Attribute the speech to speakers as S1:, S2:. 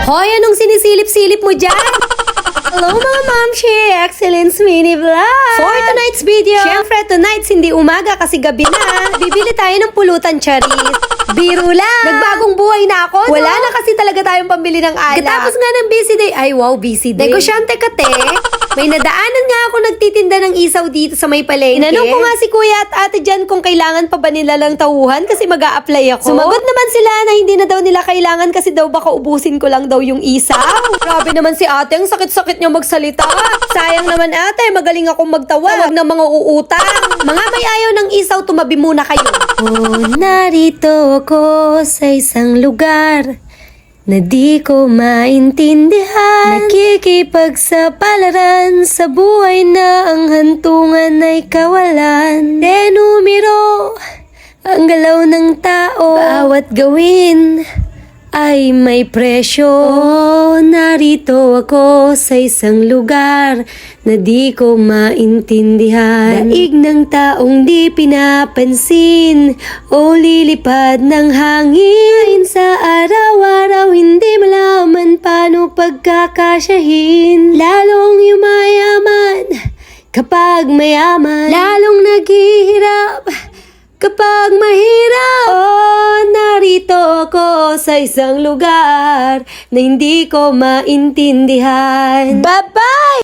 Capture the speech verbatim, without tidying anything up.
S1: Hoy, anong sinisilip-silip mo dyan? Hello mga mamshi! Excellence Mini Vlog! For tonight's video, syempre tonight's hindi umaga kasi gabi na. Bibili tayo ng pulutan, charis. Biro lang! Nagbagong buhay na ako, Wala no? na kasi talaga tayong pambili ng alak. Katapos nga ng busy day, ay wow, busy day. Negosyante ka te. May nadaanan nga ako nagtitinda ng isaw dito sa may palengke. Inanong ko nga si kuya at ate dyan kung kailangan pa ba nila lang tauhan kasi mag-a-apply ako. Sumagot naman sila na hindi na daw nila kailangan kasi daw baka ubusin ko lang daw yung isaw. Grabe naman si ate, ang sakit-sakit niya magsalita. Sayang naman ate, magaling akong magtawag ng mga uutang. Mga may ayaw ng isaw, tumabi muna kayo. Oh, narito ako sa isang lugar na di ko maintindihan. Nakikipagsapalaran sa buhay na ang hantungan ay kawalan. De numero ang galaw ng tao, bawat gawin ay may presyo. Oh, narito ako sa isang lugar na di ko maintindihan. Daig ng taong di pinapansin o lilipad ng hangin. Sa araw-araw hindi malaman paano pagkakasyahin. Lalong yumayaman kapag mayaman, lalong naghihirap kapag mahirap. Oh, narito ako sa isang lugar na hindi ko maintindihan. Bye-bye!